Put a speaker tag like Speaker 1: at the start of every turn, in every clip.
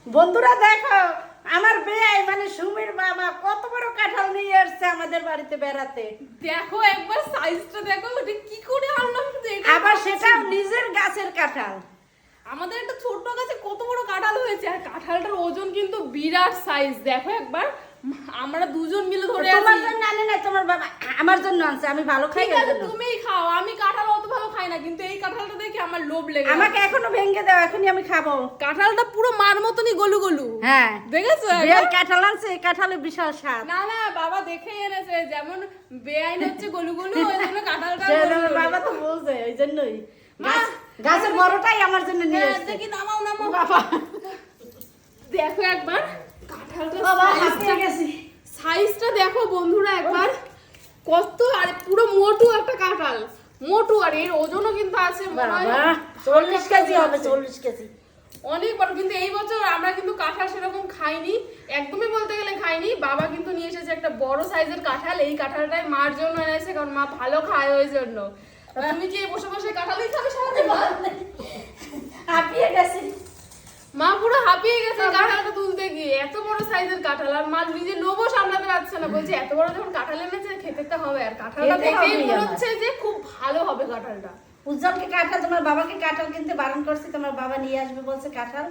Speaker 1: বন্ধুরা দেখো আমার বেয়াই মানে সুমির বাবা কত বড় কাঁঠাল নিয়ে আসছে আমাদের বাড়িতে বেড়াতে।
Speaker 2: দেখো একবার সাইজটা দেখো, ওটা কি করে আনলাম কিন্তু এটা
Speaker 1: আবার সেটাও নিজের গাছের কাঁঠাল।
Speaker 2: আমাদের একটা ছোট্ট গাছে কত বড় কাঁঠাল হয়েছে, আর কাঁঠালটার ওজন কিন্তু বিরাট সাইজ। দেখো একবার আমরা দুজন মিলে ধরে আছি।
Speaker 1: তোমার জন্য আনে না, তোমার বাবা আমার জন্য আনছে, আমি ভালো খাই
Speaker 2: ঠিক আছে
Speaker 1: এজন্য।
Speaker 2: তুমিই খাও, আমি কাঁঠাল অত ভালো খাই না, কিন্তু এই কাঁঠালটা দেখে আমার লোভ লেগে
Speaker 1: আমাকে এখনো ভেঙে দাও, এখনই আমি খাবো।
Speaker 2: কাঁঠালটা পুরো মার মতনই গলু গলু।
Speaker 1: হ্যাঁ
Speaker 2: দেখেছো
Speaker 1: বেয়াই কাঁঠাল আনছে, এই কাঁঠালে বিশাল স্বাদ।
Speaker 2: না না বাবা দেখেই এনেছে, যেমন বেআইন হচ্ছে গলু গলু, ওই জন্য কাঁঠালটা
Speaker 1: সে
Speaker 2: গলু গলু।
Speaker 1: বাবা তো বলছে ওই জন্যই
Speaker 2: মা,
Speaker 1: গাছের বড়টাই আমার জন্য নিয়ে
Speaker 2: হ্যাঁ,
Speaker 1: আসছে।
Speaker 2: দেখি নামাও নামাও।
Speaker 1: বাবা
Speaker 2: দেখো একবার কাঁঠালটা
Speaker 1: বাবা হাঁপিয়ে গেছি।
Speaker 2: সাইজটা দেখো বন্ধুরা একবার কত, আর পুরো মোটু একটা কাঁঠাল, মোটু, আর এর ওজনও কিন্তু আছে মনে হয়
Speaker 1: বাবা 40 কেজি হবে, 40 কেজি।
Speaker 2: অনেক বড়। কিন্তু এই বছর আমরা কিন্তু কাঁঠাল সেরকম খাইনি, একদমই বলতে গেলে খাইনি। বাবা কিন্তু নিয়ে এসেছে একটা বড় সাইজের কাঁঠাল, এই কাঁঠালটাই মার জন্য এনেছে, কারণ মা ভালো খায় ওই জন্য। তুমি কি বসে বসে কাঁঠালই খাবে সারাদিন?
Speaker 1: হাঁপিয়ে গেছি।
Speaker 2: মা পুরো হাঁপিয়ে গেছে কাঁঠালটা তুলতে গিয়ে, এত বড় সাইজের কাঁঠাল, আর মা নিজে লোভও সামলাতে পারছে না, বলছে এত বড় যখন কাঁঠাল এনেছে খেতে তো হবে। আর কাঁঠালটা
Speaker 1: খেতে
Speaker 2: দেখেই
Speaker 1: হবেই
Speaker 2: মনে
Speaker 1: আমার।
Speaker 2: হচ্ছে যে খুব ভালো হবে কাঁঠালটা।
Speaker 1: উজ্জ্বলকে কাঁঠাল, তোমার বাবাকে কাঁঠাল কিনতে বারণ করছি, তোমার বাবা নিয়ে আসবে বলছে কাঁঠাল,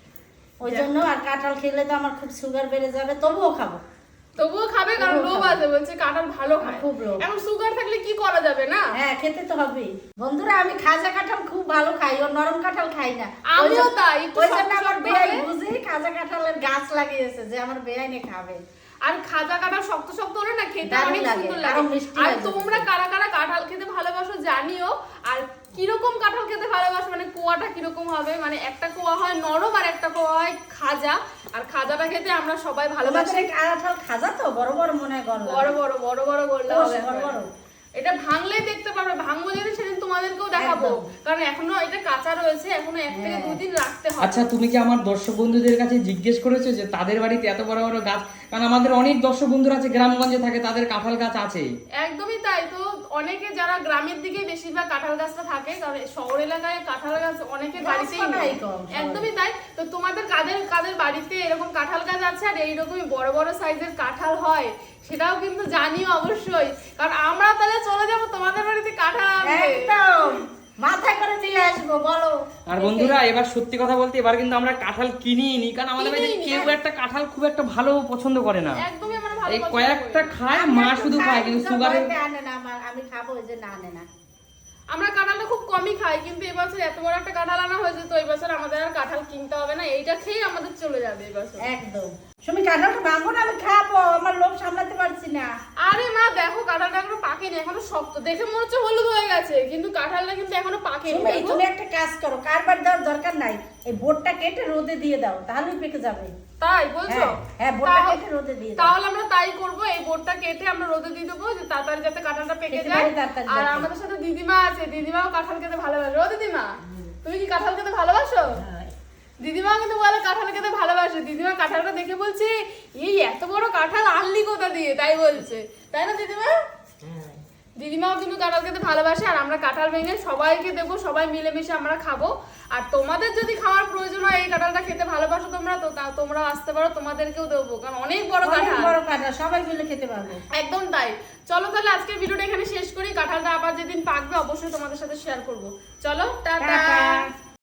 Speaker 1: ওই জন্য। আর কাঁঠাল খেলে তো আমার খুব সুগার বেড়ে যাবে, তবুও খাবো।
Speaker 2: তবুও খাবে, কারণ লোভ আছে, বলছে কাঁঠাল ভালো খায়।
Speaker 1: খুব লোভ।
Speaker 2: এখন সুগার থাকলে কি করা যাবে না?
Speaker 1: হ্যাঁ খেতে তো হবেই। বন্ধুরা আমি খাজা কাঁঠাল খুব ভালো খাই, ও নরম কাঁঠাল খাই না।
Speaker 2: আমিও তাই, একটু
Speaker 1: ওই জন্য
Speaker 2: শক্ত
Speaker 1: আমার
Speaker 2: শক্ত
Speaker 1: বেয়াই
Speaker 2: হবে।
Speaker 1: বুঝি খাজা কাঁঠালের গাছ লাগিয়েছে যে আমার বেয়াইনে খাবে।
Speaker 2: আর খাজা কাঁঠাল শক্ত শক্ত হলে না খেতে
Speaker 1: দারুণ
Speaker 2: অনেক
Speaker 1: লাগে,
Speaker 2: সুন্দর
Speaker 1: আরো
Speaker 2: লাগে।
Speaker 1: মিষ্টি
Speaker 2: আর
Speaker 1: লাগে।
Speaker 2: তোমরা কারা কারা কাঁঠাল খেতে ভালোবাসো জানিও, আর কিরকম কাঁঠাল খেতে ভালোবাসো, মানে কোয়াটা কিরকম হবে, মানে একটা কোয়া হয় নরম আর একটা কোয়া হয় খাজা, আর খাজাটা খেতে আমরা সবাই
Speaker 1: তোমাদের
Speaker 2: ভালোবাসি।
Speaker 1: এই কাঁঠাল খাজা তো বড় বড় মনে হয় গলা।
Speaker 2: বড় বড় বড় বড় গোল্লা
Speaker 1: ও,
Speaker 2: হবে
Speaker 1: বড় বড়।
Speaker 2: এটা ভাঙলেই দেখতে পারবে, ভাঙবো যেদিন সেদিন তোমাদেরকেও দেখাবো,
Speaker 1: একদম।
Speaker 2: কারণ এখনো এটা কাঁচা রয়েছে, এখনো 1 থেকে 2 দিন রাখতে হবে।
Speaker 3: আচ্ছা তুমি কি আমার দর্শক বন্ধুদের কাছে জিজ্ঞেস করেছো যে তাদের বাড়িতে এত বড় বড় গাছ? কারণ আমাদের অনেক দর্শক বন্ধুরা আছে গ্রামগঞ্জে থাকে, তাদের কাঁঠাল গাছ আছে।
Speaker 2: একদমই তাই। তো অনেকে যারা গ্রামের দিকে বেশিরভাগ কাঁঠাল গাছটা থাকে, কারণ শহর এলাকায় কাঁঠাল গাছ অনেকের বাড়িতেই নেই।
Speaker 1: গাছপালাই কম শহরে।
Speaker 2: একদমই তাই। তো তোমাদের কাদের কাদের বাড়িতে এরকম কাঁঠাল গাছ আছে আর এইরকমই বড় বড় সাইজের কাঁঠাল হয়, সেটাও কিন্তু জানিও অবশ্যই, কারণ আমরা তাহলে চলে যাবো তোমাদের বাড়িতে কাঁঠাল আনতে।
Speaker 1: একদম মাথায় করে নিয়ে আসবো, বলো।
Speaker 3: আর বন্ধুরা এবার সত্যি কথা বলতে এবার কিন্তু আমরা কাঁঠাল কিনিই নি, কারণ আমাদের বাড়িতে
Speaker 2: কিনিই নি,
Speaker 3: কেউ একটা কাঁঠাল খুব একটা ভালো পছন্দ করে না।
Speaker 2: একদমই আমরা ভালো
Speaker 3: এই
Speaker 2: পছন্দ
Speaker 3: কয়েকটা
Speaker 2: করি।
Speaker 3: খায়,
Speaker 1: আমি
Speaker 3: মা
Speaker 1: একটু
Speaker 3: শুধু
Speaker 1: খাই,
Speaker 3: খায়, কিন্তু
Speaker 1: কিন্তু
Speaker 3: সুগারের
Speaker 1: ভয়তে আনে না আমি খাবো, ওই যে না আনে না।
Speaker 2: আমরা কাঁঠালটা খুব কমই খাই, কিন্তু এবছর এত বড় একটা কাঁঠাল আনা হয়েছে, তো এবছর আমাদের আর কাঁঠাল কিনতে হবে না, এইটা খেয়ে আমাদের চলে যাবে এবছর।
Speaker 1: একদম। তুমি কাঁঠালটা ভাঙবো না, আমি খাবো, আমার লোভ সামলাতে পারছি না।
Speaker 2: আরে মা দেখো কাঁঠালটা এখনো পাকেনি, এখনো শক্ত, দেখে মনে হচ্ছে হলুদ হয়ে গেছে, কিন্তু কাঁঠালটা কিন্তু এখনো পাকেনি।
Speaker 1: তুমি
Speaker 2: দেখো।
Speaker 1: তুমি একটা কাজ করো, কারবার দেওয়ার দরকার নাই, এই বোর্ডটা কেটে রোদে দিয়ে দাও, তাহলেই পেকে যাবে।
Speaker 2: তাই বলছো?
Speaker 1: হ্যাঁ বোর্ডটা
Speaker 2: তাহলে-
Speaker 1: কেটে রোদে দিয়ে দাও।
Speaker 2: তাহলে আমরা তাই করব, এই বোর্ডটা কেটে আমরা রোদে দিয়ে দেবো, যে তাড়াতাড়ি যাতে কাঁঠালটা পেকে
Speaker 1: পেকে
Speaker 2: যায়।
Speaker 1: যায়, তাড়াতাড়ি
Speaker 2: আর
Speaker 1: যাতে।
Speaker 2: আমাদের সাথে দিদিমা আছে, দিদিমাও কাঁঠাল খেতে ভালোবাসে। ও দিদিমা, তুমি কি কাঁঠাল খেতে ভালোবাসো?
Speaker 1: হ্যাঁ।
Speaker 2: দিদিমা কিন্তু বলে কাঁঠাল খেতে ভালোবাসে। দিদিমা কাঁঠালটা দেখে বলছে এই এত বড় কাঁঠাল আনলি কোথা দিয়ে, তাই বলছে, তাই না দিদিমা? দিদিমাও কিন্তু কাঁঠাল খেতে ভালোবাসে, আর আমরা কাঁঠাল ভেঙে সবাইকে দেবো, সবাই মিলেমিশে আমরা খাবো। আর তোমাদের যদি খাওয়ার প্রয়োজন হয়, এই কাঁঠালটা খেতে ভালোবাসো তোমরা, তো তোমরা আসতে পারো, তোমাদেরকেও দেবো, কারণ অনেক বড়
Speaker 1: অনেক
Speaker 2: কাঁঠাল।
Speaker 1: বড় কাঁঠাল, সবাই মিলে খেতে পারবো।
Speaker 2: একদম তাই। চলো তাহলে আজকের ভিডিওটা এখানে শেষ করি, কাঁঠালটা আবার যেদিন পাকবে অবশ্যই তোমাদের সাথে শেয়ার করবো। চলো টাটা।
Speaker 1: টাটা।